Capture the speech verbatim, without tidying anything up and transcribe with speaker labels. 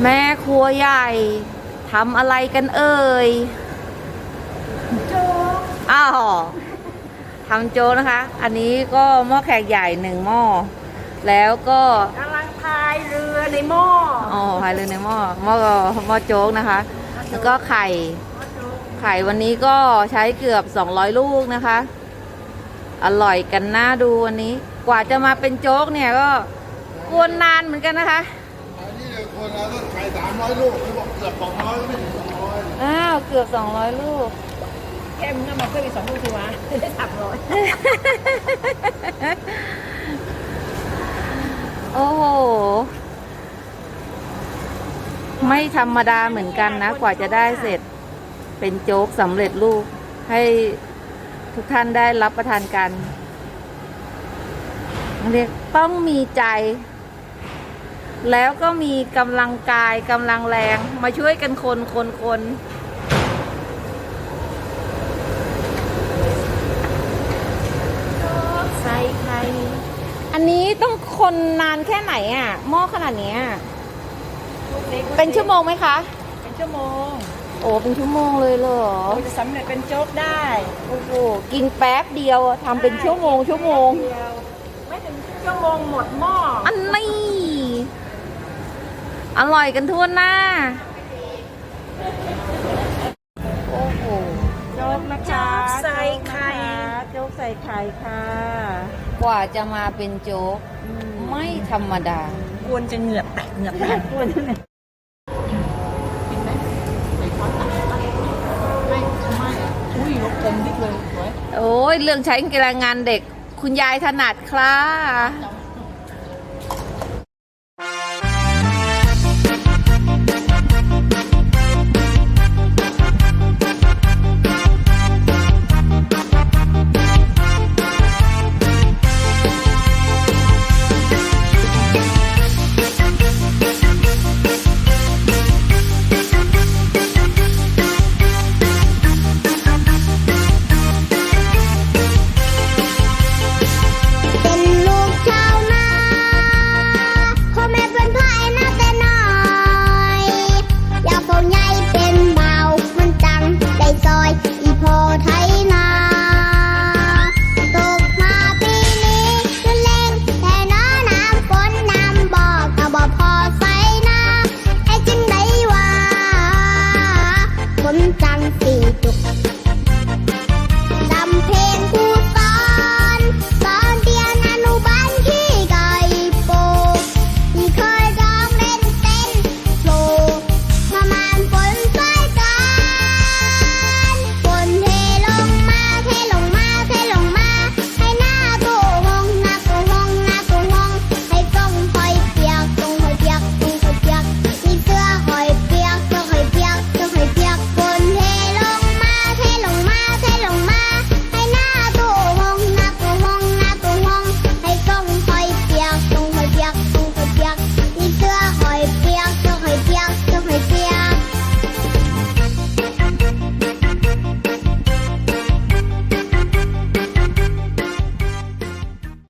Speaker 1: แม่ครัวใหญ่ทำอะไรกันเอ่ยโจ๊กอ้าวทำโจ๊กนะคะ อันนี้ก็หม้อแขกใหญ่หนึ่งหม้อแล้วก็
Speaker 2: กำลังพายเรือในหม้อ
Speaker 1: อ๋อพายเรือในหม้อหม้อหม้อโจ๊กนะคะ แล้วก็ไข่ไข่วันนี้ก็ใช้เกือบสองร้อยลูกนะคะ อร่อยกันน่าดูวันนี้ กว่าจะมาเป็นโจ๊กเนี่ยก็กวนนานเหมือนกันนะคะ
Speaker 3: อันนี้เลยคนเราต้องไข่สามร้อยลูกเขาบอกเกือบสองร้อยไม่ถึงสองร้อย
Speaker 1: อ้าวเกือบสองร้อยลูก
Speaker 2: แค่มึงมาเพิ่มอีกสองลูกสิวะได้สามร้อย
Speaker 1: โอ้โหไม่ธรรมดาเหมือนกันนะกว่าจะได้เสร็จเป็นโจ๊กสำเร็จรูปให้ทุกท่านได้รับประทานกันเรียกต้องมีใจ แล้วก็มีกำลังกายกำลังแรงมาช่วยกันคนคนคนใส่ไข่อันนี้ต้องคนนานแค่ไหนอ่ะหม้อขนาดนี้เป็นชั่วโมงไหมคะ
Speaker 2: เป็นชั่วโมง
Speaker 1: โอ้เป็นชั่วโมงเลยเหรอ
Speaker 2: จะสำเร็จเป็นโจ๊กได้
Speaker 1: โอ้โหกินแป๊บเดียวทำเป็นชั่วโมงชั่วโมง
Speaker 2: ไม่ถึงชั่วโมงหมดหม้อ
Speaker 1: อันนี้อร่อยกันทั่วหน้าโอ้โหโจ๊กนะคะ
Speaker 2: ใส่ไข่
Speaker 1: โจ๊กใส่ไข่ค่ะกว่าจะมาเป็นโจ๊กไม่ธรรมดาก
Speaker 2: วนจะเหงือกแตกเหงือกแตกกวนจะเนี่ยกินไหมใส่ช้อนตักไม่ไม่อุ้ยลกเต็มที่เลยสวย
Speaker 1: โอ้ยเรื่องใช้แรงงานเด็กคุณยายถนัดค่ะ